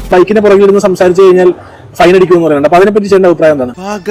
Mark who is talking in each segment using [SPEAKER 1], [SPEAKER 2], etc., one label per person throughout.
[SPEAKER 1] ബൈക്കിന്റെ പുറകിലിരുന്ന് സംസാരിച്ചു കഴിഞ്ഞാൽ ഫൈൻ അടിക്കുമെന്ന് പറയുന്നുണ്ട്. അപ്പൊ അതിനെപ്പറ്റി ചേട്ടന്റെ അഭിപ്രായം എന്താണ്?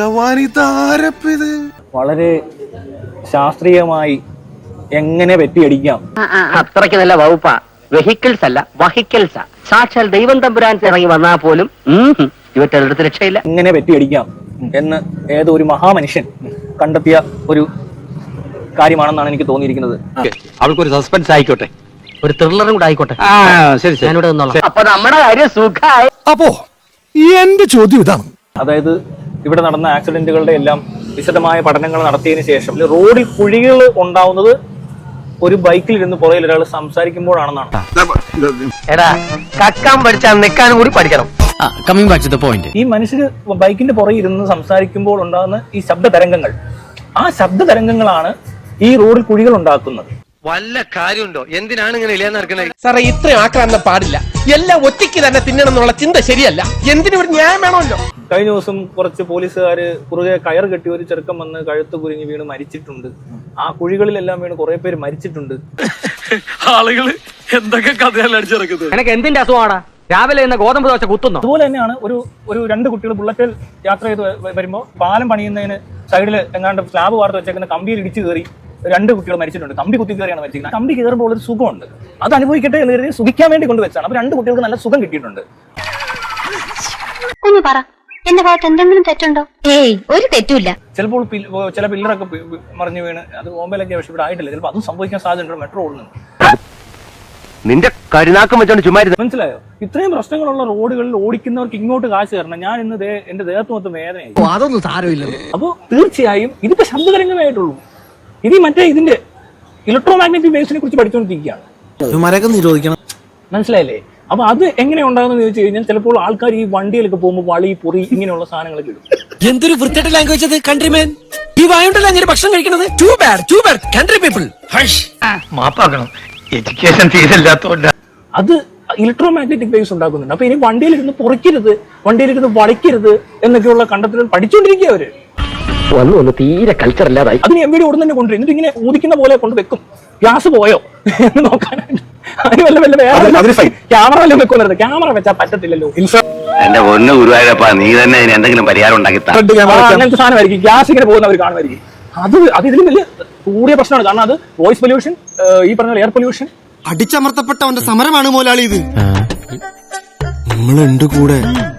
[SPEAKER 2] വളരെ ശാസ്ത്രീയമായി എങ്ങനെ വെട്ടിയടിക്കാം,
[SPEAKER 3] അത്രയ്ക്ക് നല്ല വകുപ്പാ. വെഹിക്കിൾസ് അല്ല വഹിക്കിൾസാ. സാക്ഷാൽ ദൈവം തമ്പുരാൻ ഇറങ്ങി വന്നാൽ പോലും ഇവറ്റെടുത്ത് രക്ഷയില്ല.
[SPEAKER 2] എങ്ങനെ വെട്ടിയടിക്കാം എന്ന് ഏതോ ഒരു മഹാമനുഷ്യൻ കണ്ടെത്തിയ ഒരു കാര്യമാണെന്നാണ് എനിക്ക് തോന്നിയിരിക്കുന്നത്.
[SPEAKER 4] അവൾക്കൊരു സസ്പെൻസ് ആയിക്കോട്ടെ,
[SPEAKER 3] ഒരു ത്രില്ലറും കൂടെ ആയിക്കോട്ടെ.
[SPEAKER 4] ശരി
[SPEAKER 3] ഞാനിവിടെ നിന്നോളാം. അപ്പൊ നമ്മുടെ കാര്യം സുഖമായി.
[SPEAKER 5] അപ്പോ എന്റെ ചോദ്യം ഇതാണ്,
[SPEAKER 2] അതായത് ഇവിടെ നടന്ന ആക്സിഡന്റുകളുടെ എല്ലാം വിശദമായ പഠനങ്ങൾ നടത്തിയതിനു ശേഷം റോഡിൽ കുഴികൾ ഉണ്ടാവുന്നത് ഒരു ബൈക്കിൽ ഇരുന്ന് പുറകിൽ ഒരാൾ സംസാരിക്കുമ്പോഴാണെന്നാണ്.
[SPEAKER 3] എടാ കക്കാൻ പഠിച്ചാൽ നിൽക്കാനും കൂടി പഠിക്കണം.
[SPEAKER 6] Coming back to the point.
[SPEAKER 2] ഈ മനുഷ്യര് ബൈക്കിന്റെ പുറകിൽ ഇരുന്ന് സംസാരിക്കുമ്പോൾ ഉണ്ടാകുന്ന ഈ ശബ്ദ തരംഗങ്ങൾ, ആ ശബ്ദ തരംഗങ്ങളാണ് ഈ റോഡിൽ കുഴികൾ ഉണ്ടാക്കുന്നത്.
[SPEAKER 4] വല്ല കാര്യമുണ്ടോ? എന്തിനാണ് ഇങ്ങനെ ഇല്ലാന്ന് നടക്കുന്നത്?
[SPEAKER 5] സാറേ ഇത്രയും ആക്രാന്തം പാടില്ല. എല്ലാം ഒറ്റയ്ക്ക് തന്നെ തിന്നണം എന്നുള്ള ചിന്ത ശരിയല്ല. എന്തിനും ഒരു ന്യായം വേണമല്ലോ.
[SPEAKER 2] കഴിഞ്ഞ ദിവസം കുറച്ച് പോലീസുകാര് കുറുകെ കയർ കെട്ടി ഒരു ചെറുക്കം വന്ന് കഴുത്ത് കുരുങ്ങി വീണ് മരിച്ചിട്ടുണ്ട്. ആ കുഴികളിലെല്ലാം വീണ് കുറെ പേര് മരിച്ചിട്ടുണ്ട്.
[SPEAKER 7] ആളുകള് എന്തൊക്കെ കഥയല്ല അടിച്ചിറക്കുന്നത്.
[SPEAKER 3] എനിക്ക് എന്തിന്റെ അസുഖമാടാ? രാവിലെ ഇന്ന് ഗോതമ്പ് ദോശ കുത്തുന്നു.
[SPEAKER 2] അതുപോലെ തന്നെയാണ് ഒരു രണ്ട് കുട്ടികൾ ബുള്ളറ്റിൽ യാത്ര ചെയ്ത് വരുമ്പോൾ പാലം പണിയുന്നതിന് സൈഡിൽ എങ്ങാണ്ട് സ്ലാബ് വാർത്ത് വെച്ചേക്കുന്ന കമ്പിയിൽ ഇടിച്ചു കയറി രണ്ട് കുട്ടികൾ മരിച്ചിട്ടുണ്ട്. കമ്പി കുത്തി കയറിയാണ് മരിച്ചിരിക്കുന്നത്. കമ്പി കയറുമ്പോൾ ഒരു സുഖമുണ്ട്, അത് അനുഭവിക്കട്ടെ എന്ന് കരുതി സുഖിക്കാൻ വേണ്ടി കൊണ്ടുവച്ചാണ്. അപ്പൊ രണ്ട് കുട്ടികൾക്ക് നല്ല സുഖം കിട്ടിയിട്ടുണ്ട്.
[SPEAKER 8] ഒന്ന് പറ, എന്റെ ഭാഗത്ത് എന്തെങ്കിലും തെറ്റുണ്ടോ? ഏയ് ഒരു തെറ്റുമില്ല.
[SPEAKER 2] ചിലപ്പോൾ ചില പില്ലറൊക്കെ മറിഞ്ഞു വീണ് അത് ബോംബെയിലൊക്കെ, പക്ഷെ ഇവിടെ ആയിട്ടില്ല. ചിലപ്പോൾ അതും സംഭവിക്കാൻ സാധ്യതയുണ്ട് മെട്രോ ഓടുന്നുണ്ട്.
[SPEAKER 4] നിന്റെ കരുനാക്കം വെച്ചോണ്ട് ചുമ്മാ
[SPEAKER 2] മനസ്സിലായോ? ഇത്രയും പ്രശ്നങ്ങളുള്ള റോഡുകളിൽ ഓടിക്കുന്നവർക്ക് ഇങ്ങോട്ട് കാശ് തരണം. ഞാൻ ഇന്ന് എന്റെ ദേഹത്ത് മൊത്തം വേദനയായി.
[SPEAKER 5] അതൊന്നും സാരമില്ല.
[SPEAKER 2] അപ്പോൾ തീർച്ചയായും ഇതിപ്പോ ശബ്ദതരംഗമായിട്ടുള്ളൂ. ഇത് മറ്റേ ഇതിന്റെ ഇലക്ട്രോമാഗ്നറ്റിക് വേവ്സിനെ കുറിച്ച് പഠിച്ചുകൊണ്ടിരിക്കുകയാണ്.
[SPEAKER 5] നിരോധിക്കണം.
[SPEAKER 2] മനസ്സിലായില്ലേ? അപ്പൊ അത് എങ്ങനെ ഉണ്ടാകുന്ന ചോദിച്ചു കഴിഞ്ഞാൽ ചിലപ്പോൾ ആൾക്കാർ ഈ വണ്ടിയിലൊക്കെ പോകുമ്പോൾ വളി പൊറി ഇങ്ങനെയുള്ള സാധനങ്ങളൊക്കെ ഇടും.
[SPEAKER 5] എന്തൊരു വൃത്തിയുടെ ലാംഗ്വേജ് അത് കൺട്രിമേൻ. ഈ വായുണ്ടല്ലോ അങ്ങനെ ഭക്ഷണം കഴിക്കുന്നത്. Too bad country people.
[SPEAKER 4] മാപ്പാക്കണം, എഡ്യൂക്കേഷൻ തീരല്ലാത്തോണ്ട്.
[SPEAKER 2] അത് ഇലക്ട്രോമാഗ്നറ്റിക് വേവ്സ് ഉണ്ടാക്കുന്നുണ്ട്. അപ്പൊ ഇനി വണ്ടിയിലിരുന്ന് പൊറിക്കരുത്, വണ്ടിയിലിരുന്ന് വളിക്കരുത് എന്നൊക്കെയുള്ള കണ്ടെത്തലുകൾ പഠിച്ചുകൊണ്ടിരിക്കുക അവര്.
[SPEAKER 3] ഒന്ന് തീരെ കൾച്ചർ ഇല്ലാതായി.
[SPEAKER 2] അതിന് എവിടെ ഉടൻ തന്നെ കൊണ്ടുവരും. എന്നിട്ട് ഇങ്ങനെ ഊതിക്കുന്ന പോലെ കൊണ്ട് വെക്കും. ഗ്യാസ് പോയോ എന്ന് നോക്കാനായിട്ട്. അതിന് ക്യാമറ വല്ലതും വെക്കുന്നത്. ക്യാമറ വെച്ചാൽ പറ്റത്തില്ലല്ലോ.
[SPEAKER 4] എന്റെ പൊന്നു ഗുരുവായൂരപ്പാ, നീ തന്നെ എന്തെങ്കിലും പരിഹാരം ഉണ്ടാക്കി
[SPEAKER 2] അങ്ങനത്തെ സാധനമായിരിക്കും. ഗ്യാസ് ഇങ്ങനെ പോകുന്നവർ കാണുമായിരിക്കും. അത് ഇതിലും വലിയ കൂടിയ പ്രശ്നമാണ്. കാരണം അത് വോയിസ് പൊല്യൂഷൻ, ഈ പറഞ്ഞ എയർ പൊല്യൂഷൻ.
[SPEAKER 5] അടിച്ചമർത്തപ്പെട്ടവന്റെ സമരമാണ് മോലാളി ഇത്. നമ്മളുണ്ട് കൂടെ.